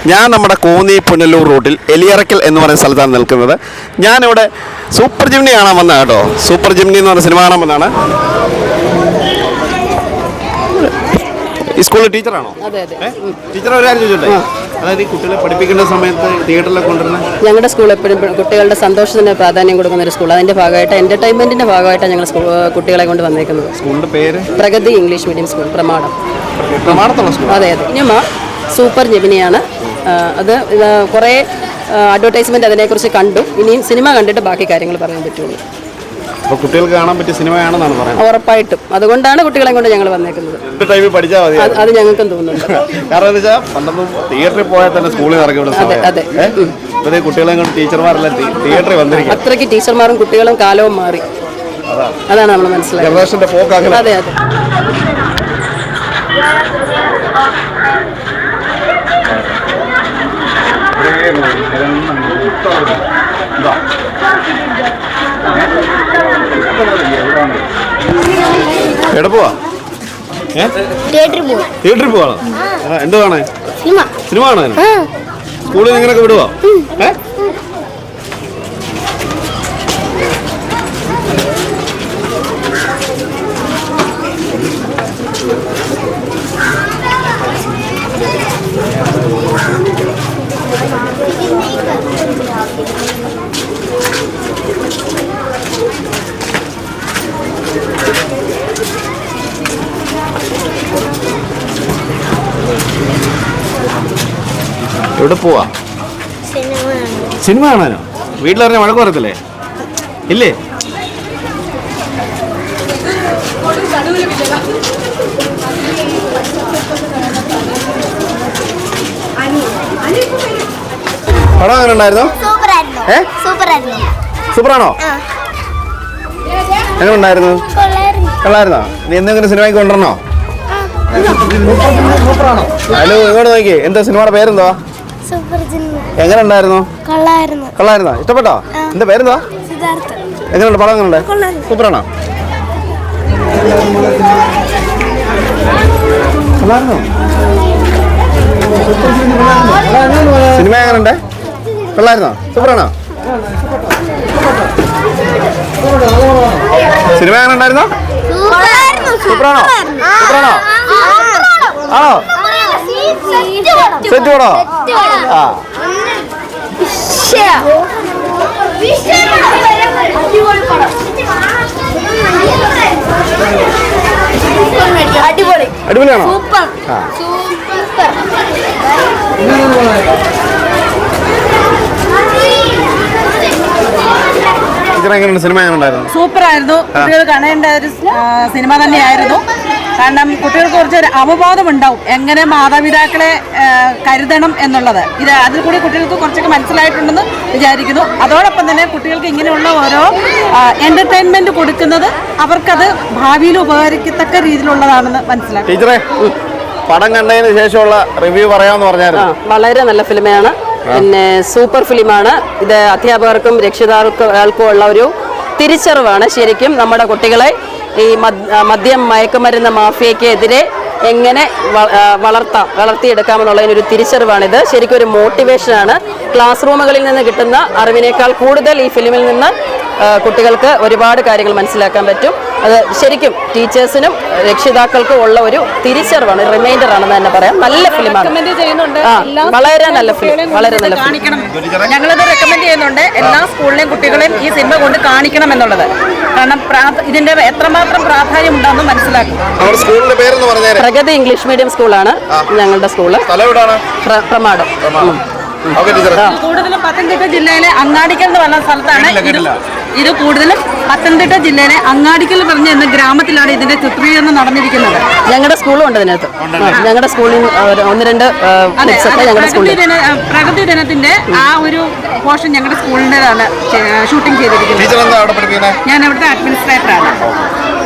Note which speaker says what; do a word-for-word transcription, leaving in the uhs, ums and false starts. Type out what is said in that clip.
Speaker 1: ഞാൻ നമ്മുടെ കോന്നി പുനലൂർ റൂട്ടിൽ എലിയറക്കൽ എന്ന് പറയുന്ന സ്ഥലത്താണ് നിൽക്കുന്നത്. ഞാനിവിടെ സൂപ്പർ ജിംനി കാണാൻ വന്നതാണ് കേട്ടോ. സൂപ്പർ ജിംനി എന്ന് പറഞ്ഞ സിനിമ കാണാൻ വന്നതാണ്. ഈ സ്കൂളിൽ ടീച്ചറാണോ? ടീച്ചർ ഒരു കാര്യം ചോദിച്ചോട്ടെ, അതായത് ഈ കുട്ടികളെ പഠിപ്പിക്കേണ്ട സമയത്ത് തിയേറ്ററിലൊക്കെ കൊണ്ടുവരുന്നത്
Speaker 2: ഞങ്ങളുടെ സ്കൂൾ എപ്പോഴും കുട്ടികളുടെ സന്തോഷത്തിന് പ്രാധാന്യം കൊടുക്കുന്ന ഒരു സ്കൂൾ. അതിന്റെ ഭാഗമായിട്ട് എന്റർടൈൻമെന്റിന്റെ ഭാഗമായിട്ടാണ് ഞങ്ങൾ കുട്ടികളെ കൊണ്ട് വന്നേക്കുന്നത്.
Speaker 1: സ്കൂളിന്റെ പേര്
Speaker 2: Pragati English medium school, Pramadam.
Speaker 1: പ്രമാടത്തുള്ള സ്കൂൾ?
Speaker 2: അതെ അതെ. ഇനിമ സൂപ്പർ ജെമിനിയാണ്. അത് കുറേ അഡ്വർടൈസ്മെന്റ് അതിനെക്കുറിച്ച് കണ്ടു. ഇനിയും സിനിമ കണ്ടിട്ട് ബാക്കി കാര്യങ്ങൾ പറയാൻ പറ്റുള്ളൂ.
Speaker 1: അപ്പോൾ കുട്ടികൾക്ക് കാണാൻ പറ്റിയ സിനിമയാണെന്നാണ് പറയുന്നത്?
Speaker 2: ഉറപ്പായിട്ടും. അതുകൊണ്ടാണ് കുട്ടികളെ കൊണ്ട് ഞങ്ങൾ വന്നേക്കുന്നത്.
Speaker 1: പഠിച്ചാൽ മതി,
Speaker 2: അത് ഞങ്ങൾക്കും തോന്നുന്നുണ്ട്.
Speaker 1: കാരണം എന്താ വെച്ചാൽ പണ്ടൊന്നും തിയേറ്ററിൽ പോയാൽ തന്നെ സ്കൂളിൽ ഇറക്കി അതെ കുട്ടികളെ കൊണ്ട് ടീച്ചർമാരെല്ലാം തിയേറ്ററിൽ വന്നിരിക്കും.
Speaker 2: അത്രയ്ക്ക് ടീച്ചർമാരും കുട്ടികളും കാലവും മാറി. അതാണ് നമ്മൾ മനസ്സിലായത്.
Speaker 1: ജനറേഷന്റെ പോക്ക് അങ്ങനെ.
Speaker 2: അതെ അതെ.
Speaker 1: എവിടെ പോവാ? തിയേറ്ററിൽ പോവാണോ? എന്ത് കാണാൻ? സിനിമ കാണാൻ സ്കൂളിൽ നിങ്ങളൊക്കെ വിടുവോ? ഏ എവിടെ പോവാ? സിനിമ കാണാനോ? വീട്ടിലിറങ്ങി വഴക്ക് പറയത്തില്ലേ? ഇല്ലേ? പടം അങ്ങനെ ഉണ്ടായിരുന്നോ? സൂപ്പറാണോ? എങ്ങനെ ഉണ്ടായിരുന്നു? കൊള്ളായിരുന്നോ? നീ എന്തെങ്കിലും സിനിമയ്ക്ക് കൊണ്ടുവരണോ? ഹലോ, ഇങ്ങോട്ട് നോക്കിയേ. എന്താ സിനിമയുടെ പേരെന്തോ? എങ്ങനെ ഉണ്ടായിരുന്നു? കൊള്ളായിരുന്നോ? ഇഷ്ടപ്പെട്ടോ? എന്താ പേരെന്തോ? എങ്ങനെയുണ്ട് പടം? എങ്ങനെയുണ്ട്? സൂപ്പറാണോ? സിനിമ എങ്ങനെയുണ്ട്? കൊള്ളായിരുന്നോ? സൂപ്പറാണോ? സിനിമ എങ്ങനെ ഉണ്ടായിരുന്നോ? സൂപ്പറാണോ? സൂപ്പറാണോ? ആണോ? സെറ്റ് പടോ? ആ അടിപൊളിയാണോ? എങ്ങനെയുണ്ട്? സിനിമ എങ്ങനെ ഉണ്ടായിരുന്നു?
Speaker 3: സൂപ്പറായിരുന്നു. കുട്ടികൾ കാണേണ്ട ഒരു സിനിമ തന്നെയായിരുന്നു. കാരണം കുട്ടികൾക്ക് കുറച്ചൊരു അവബോധം ഉണ്ടാവും എങ്ങനെ മാതാപിതാക്കളെ കരുതണം എന്നുള്ളത്. ഇത് അതിൽ കൂടി കുട്ടികൾക്ക് കുറച്ചൊക്കെ മനസ്സിലായിട്ടുണ്ടെന്ന് വിചാരിക്കുന്നു. അതോടൊപ്പം തന്നെ കുട്ടികൾക്ക് ഇങ്ങനെയുള്ള ഓരോ എന്റർടൈൻമെന്റ് കൊടുക്കുന്നത് അവർക്കത് ഭാവിയിൽ ഉപകരിക്കത്തക്ക രീതിയിലുള്ളതാണെന്ന് മനസ്സിലാക്കും.
Speaker 1: ടീച്ചറെ, പടം കണ്ടതിന് ശേഷമുള്ള റിവ്യൂ പറയാമെന്ന് പറഞ്ഞായിരുന്നു.
Speaker 2: വളരെ നല്ല ഫിലിമാണ്. പിന്നെ സൂപ്പർ ഫിലിമാണ് ഇത്. അധ്യാപകർക്കും രക്ഷിതാക്കൾക്കും ഉള്ള ഒരു തിരിച്ചറിവാണ്. ശരിക്കും നമ്മുടെ കുട്ടികളെ ഈ മദ്യം മയക്കുമരുന്ന് മാഫിയക്കെതിരെ എങ്ങനെ വളർത്താം വളർത്തിയെടുക്കാമെന്നുള്ളതിനൊരു തിരിച്ചറിവാണിത്. ശരിക്കും ഒരു മോട്ടിവേഷനാണ്. ക്ലാസ് റൂമുകളിൽ നിന്ന് കിട്ടുന്ന അറിവിനേക്കാൾ കൂടുതൽ ഈ ഫിലിമിൽ നിന്ന് കുട്ടികൾക്ക് ഒരുപാട് കാര്യങ്ങൾ മനസ്സിലാക്കാൻ പറ്റും. അത് ശരിക്കും ടീച്ചേഴ്സിനും രക്ഷിതാക്കൾക്കും ഉള്ള ഒരു തിരിച്ചറിവാണ്, റിമൈൻഡർ ആണെന്ന് തന്നെ പറയാം. നല്ല ഫിലിമാണ്. വളരെ നല്ല ഫിലിം, വളരെ നല്ല ഫിലിം.
Speaker 3: ഞങ്ങളിത് റെക്കമെൻഡ് ചെയ്യുന്നുണ്ട്. എല്ലാ സ്കൂളിലെയും കുട്ടികളെയും ഈ സിനിമ കൊണ്ട് കാണിക്കണം എന്നുള്ളത്. കാരണം ഇതിന്റെ എത്രമാത്രം പ്രാധാന്യം ഉണ്ടെന്ന് മനസ്സിലാക്കും.
Speaker 2: പ്രഗതി ഇംഗ്ലീഷ് മീഡിയം സ്കൂളാണ് ഞങ്ങളുടെ സ്കൂള്. പ്രമാടം.
Speaker 3: കൂടുതലും പത്തനംതിട്ട ജില്ലയിലെ അങ്ങാടിക്കൽ എന്ന് പറഞ്ഞ സ്ഥലത്താണ് ഇത്. കൂടുതലും പത്തനംതിട്ട ജില്ലയിലെ അങ്ങാടിക്കൽ പറഞ്ഞ എന്ന ഗ്രാമത്തിലാണ് ഇതിന്റെ ചിത്രീകരണം നടന്നിരിക്കുന്നത്.
Speaker 2: ഞങ്ങളുടെ സ്കൂളും ഉണ്ട് ഇതിനകത്ത്. ഞങ്ങളുടെ സ്കൂളിൽ ഒന്ന് രണ്ട്
Speaker 3: പ്രകൃതി ദിനത്തിന്റെ ആ ഒരു പോർഷൻ ഞങ്ങളുടെ സ്കൂളിൻ്റെതാണ് ഷൂട്ടിംഗ് ചെയ്തിരിക്കുന്നത്. ഞാൻ അവിടുത്തെ അഡ്മിനിസ്ട്രേറ്ററാണ്.